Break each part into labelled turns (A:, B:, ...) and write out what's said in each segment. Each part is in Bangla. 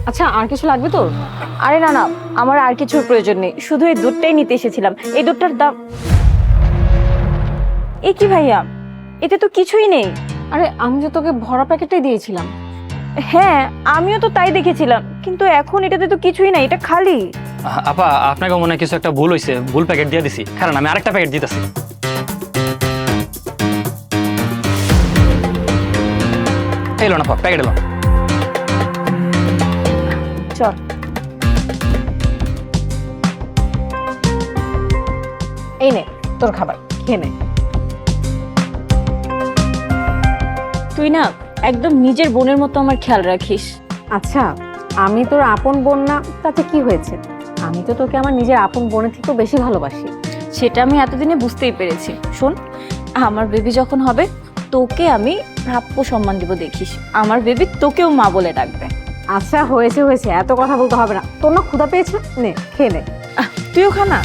A: আচ্ছা, আর কিছু লাগবে তোর?
B: আরে না না, আমার আর কিছুর প্রয়োজন নেই, শুধু এই দুধটাই নিতে এসেছিলাম। এই দুধটার দাম। এ কি ভাইয়া, এতে তো কিছুই নেই।
A: আরে আমি যে তোকে ভরা প্যাকেটটাই দিয়েছিলাম।
B: হ্যাঁ, আমিও তো তাই দেখেছিলাম, কিন্তু এখন এটাতে তো কিছুই নাই, এটা খালি।
C: আপা, আপনাকে মনে হয় কিছু একটা ভুল হয়েছে, ভুল প্যাকেট দিয়ে দিছি। কারণ আমি আরেকটা প্যাকেট দিতেছি। এলো না আপা, প্যাকেট এলো।
B: চল।
A: এই নে তোর খাবার, খেয়ে নে।
B: তুই না একদম নিজের বোনের মতো আমার খেয়াল রাখিস।
A: আচ্ছা, আমি তোর আপন বোন না, তাতে কি হয়েছে? আমি তো তোকে আমার নিজের আপন বোনের থেকেও বেশি ভালোবাসি।
B: সেটা আমি এতদিনে বুঝতেই পেরেছি। শোন, আমার বেবি যখন হবে তোকে আমি প্রাপ্য সম্মান দিব, দেখিস আমার বেবি তোকেও মা বলে ডাকবে।
A: আচ্ছা হয়েছে হয়েছে, এত কথা বলতে হবে না। তোর না ক্ষুধা পেয়েছে, নে খেয়ে নে।
B: তুইও খানা।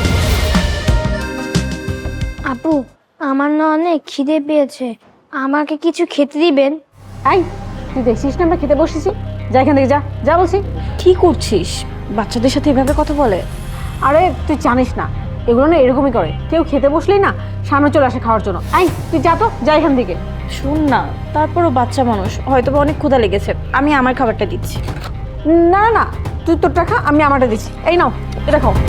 D: আপু, আমার না অনেক খিদে পেয়েছে, আমাকে কিছু খেতে দিবেন?
A: এই, তুই দেখছিস না আমরা খেতে বসেছি? যা এখান থেকে, যা যা বলছি।
B: কি করছিস? বাচ্চাদের সাথে এভাবে কথা বলে?
A: আরে তুই জানিস না, এগুলো না এরকমই করে, কেউ খেতে বসলেই না সামনে চলে আসে খাওয়ার জন্য। এই তুই যা তো, যা এখান থেকে।
B: শোন না, তারপরও বাচ্চা মানুষ, হয়তো বা অনেক ক্ষুধা লেগেছে, আমি আমার খাবারটা দিচ্ছি।
A: না না না, তুই তোরটা খা, আমি আমারটা দিচ্ছি। এই নাও, এটা খাও।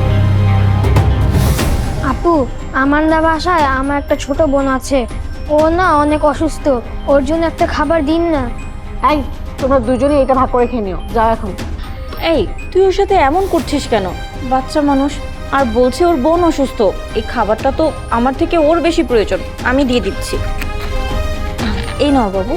D: আপু, আমার না বাসায় আমার একটা ছোট বোন আছে, ও না অনেক অসুস্থ, ওর জন্য একটা খাবার দিন না।
A: এই, তোমরা দুজনে এটা ভাগ করে খেয়ে নিও, যাও এখন।
B: এই, তুই ওর সাথে এমন করছিস কেন? বাচ্চা মানুষ, আর বলছে ওর বোন অসুস্থ। এই খাবারটা তো আমার থেকে ওর বেশি প্রয়োজন, আমি দিয়ে দিচ্ছি। এই নাও বাবু।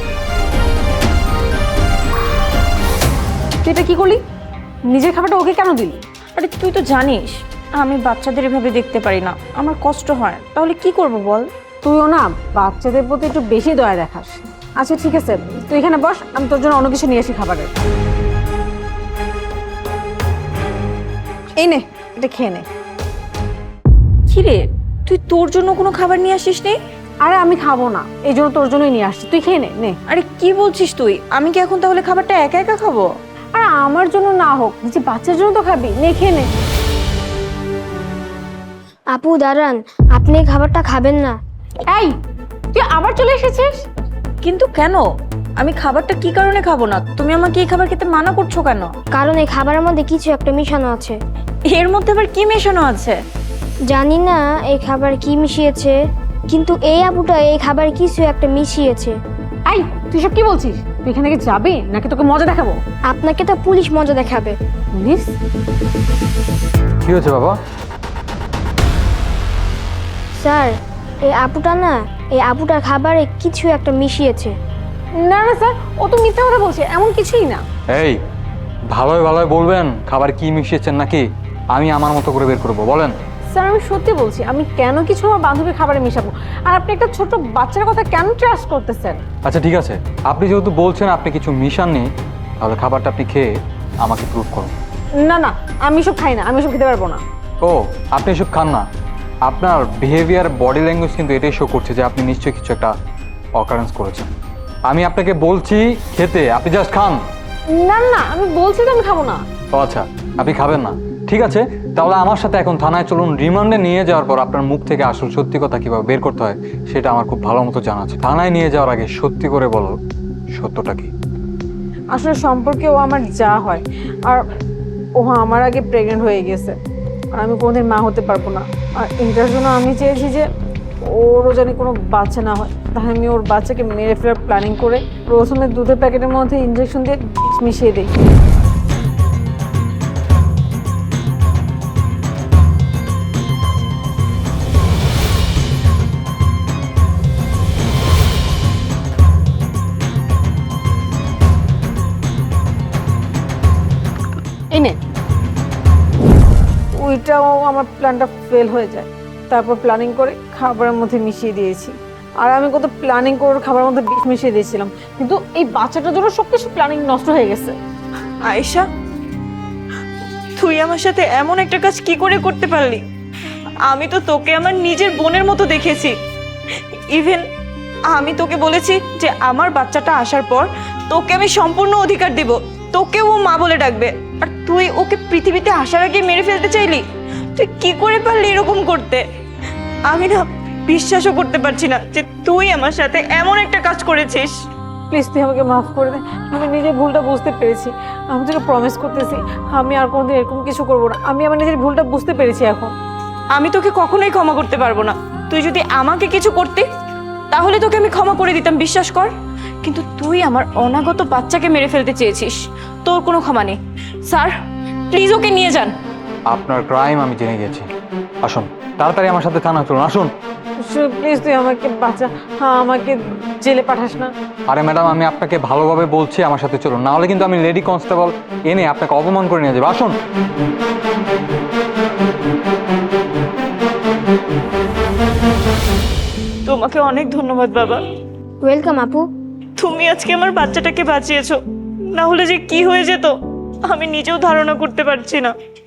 A: তুই এটা কি করলি? নিজের খাবারটা ওকে কেন দিলি?
B: আরে তুই তো জানিস আমি বাচ্চাদের এভাবে দেখতে পারি না, আমার কষ্ট হয়, তাহলে কি করব বল?
A: তুইও না বাচ্চাদের প্রতি একটু বেশি দয়া দেখাস। আচ্ছা ঠিক আছে, তুই এখানে বস, আমি তোর জন্য অন্য কিছু নিয়ে আসি খাবারের। এই নে, এটা খেয়ে নে।
B: কি রে, তুই তোর জন্য কোনো খাবার নিয়ে আসিস নি?
A: আরে আমি খাবো না, এই জন্য তোর জন্যই নিয়ে আসছি, তুই খেয়ে নে। নে।
B: আরে কি বলছিস তুই? আমি কি এখন তাহলে খাবারটা একা একা খাবো?
A: আরে আমার জন্য না হোক, যে বাচ্চার জন্য তো খাবি, নে খেয়ে নে।
D: আপু দাঁড়ান, আপনি এই খাবারটা খাবেন না।
A: এই, তুই আবার চলে এসেছিস?
B: কিন্তু কেন? আমি খাবারটা কি কারণে খাবো না? তুমি আমাকে এই খাবার খেতে মানা করছো কেন?
D: কারণ এই খাবারের মধ্যে কিছু একটা মিশানো আছে।
B: এর মধ্যে আবার কি মেশানো আছে?
D: জানি না এই খাবার কি মিশিয়েছে, কিন্তু এই আপুটা এই খাবারে কিছু একটা মিশিয়েছে।
A: এই, তুই সব কি বলছিস? তুই এখান থেকে যাবি নাকি তোকে মজা দেখাবো?
D: আপনাকে তো পুলিশ মজা দেখাবে।
A: পুলিশ?
E: কি হয়েছে বাবা?
D: স্যার, এই আপুটার খাবারে কিছু একটা মিশিয়েছে।
A: না না স্যার, ও তো মিথ্যা কথা বলছে, এমন কিছুই না।
E: এই, ভালোই ভালোই বলবেন খাবার কি মিশিয়েছেন, নাকি আমি আমার মতো করে বের করবো, বলেন।
A: স্যার আমি সত্যি বলছি, আমি কেন কিছু আমার বান্ধবীর খাবারে মেশাবো? আর আপনি একটা ছোট বাচ্চার কথা কেন ট্রাস্ট করতেছেন?
E: আচ্ছা ঠিক আছে, আপনি যেহেতু বলছেন আপনি কিছু মিশাননি, তাহলে খাবারটা আপনি খেয়ে আমাকে প্রুভ করুন।
A: না না, আমি সব খাই না, আমি সব খেতে পারবো না।
E: ও, আপনি এসব খান না? আপনার বিহেভিয়ার, বডি ল্যাঙ্গুয়েজ কিন্তু এটাই শো করছে যে আপনি নিশ্চয়ই কিছু একটা অকারেন্স করেছেন। আমি আপনাকে বলছি খেতে, আপনি জাস্ট খান।
A: না না, আমি বলছি তো আমি খাবো না।
E: ও আচ্ছা, আপনি খাবেন না, ঠিক আছে। তাহলে আমার সাথে এখন থানায় চলুন। রিমান্ডে নিয়ে যাওয়ার পর আপনার মুখ থেকে আসল সত্যি কথা কিভাবে বের করতে হয় সেটা আমার খুব ভালো মতো জানা আছে। থানায় নিয়ে যাওয়ার আগে সত্যি করে বলো, সত্যটা কি?
A: আসলে সম্পর্কে ও আমার যা হয়, আর ও আমার আগে প্রেগনেন্ট হয়ে গেছে, আর আমি কোনোদিন মা হতে পারবো না। আর এটার জন্য আমি চেয়েছি যে ওরও জানি কোনো বাচ্চা না হয়, তাই আমি ওর বাচ্চাকে মেরে ফেলার প্ল্যানিং করে প্রথমে দুধের প্যাকেটের মধ্যে ইঞ্জেকশন দিয়ে মিশিয়ে দিই। এনে ওইটাও আমার প্ল্যানটা ফেল হয়ে যায়, তারপর প্ল্যানিং করে খাবারের মধ্যে মিশিয়ে দিয়েছি। আর আমি কত প্ল্যানিং করে খাবারের মধ্যে বিষ মিশিয়ে দিয়েছিলাম, কিন্তু এই বাচ্চাটার জন্য সবকিছু প্ল্যানিং নষ্ট হয়ে গেছে।
B: আয়েশা, তুই আমার সাথে এমন একটা কাজ কি করে করতে পারলি? আমি তো তোকে আমার নিজের বোনের মতো দেখেছি। ইভেন আমি তোকে বলেছি যে আমার বাচ্চাটা আসার পর তোকে আমি সম্পূর্ণ অধিকার দেব, তোকেও ও মা বলে ডাকবে, আর তুই ওকে পৃথিবীতে আসার আগে মেরে ফেলতে চাইলি? তুই কি করে পারলি এরকম করতে? আমি না বিশ্বাসও করতে পারছি না যে তুই আমার সাথে এমন একটা কাজ করেছিস।
A: প্লিজ তুই আমাকে মাফ করে দে, আমি নিজের ভুলটা বুঝতে পেরেছি। আমি তোকে প্রমিস করতেছি আমি আর কোনোদিন এরকম কিছু করবো না। আমি আমার নিজের ভুলটা বুঝতে পেরেছি এখন।
B: আমি তোকে কখনোই ক্ষমা করতে পারবো না। তুই যদি আমাকে কিছু করতি তাহলে তোকে আমি ক্ষমা করে দিতাম, বিশ্বাস কর। কিন্তু তুই আমার অনাগত বাচ্চাকে মেরে ফেলতে চেয়েছিস, তোর কোনো ক্ষমা নেই। স্যার প্লিজ ওকে নিয়ে যান।
E: আপনার ক্রাইম আমি জেনে গেছি। আসুন তাড়াতাড়ি আমার সাথে থানায় চলুন, আসুন।
A: প্লিজ তুই আমাকে বাঁচা, হ্যাঁ আমাকে জেলে পাঠাস না।
E: আরে ম্যাডাম, আমি আপনাকে ভালোভাবে বলছি আমার সাথে চলুন, না হলে কিন্তু আমি লেডি কনস্টেবল এনে আপনাকে অপমান করে নিয়ে যাবো। আসুন।
B: তোমাকে অনেক ধন্যবাদ বাবা,
D: ওয়েলকাম আপু।
B: তুমি আজকে আমার বাচ্চাটাকে বাঁচিয়েছো, না হলে যে কি হয়ে যেত আমি নিজেও ধারণা করতে পারছি না।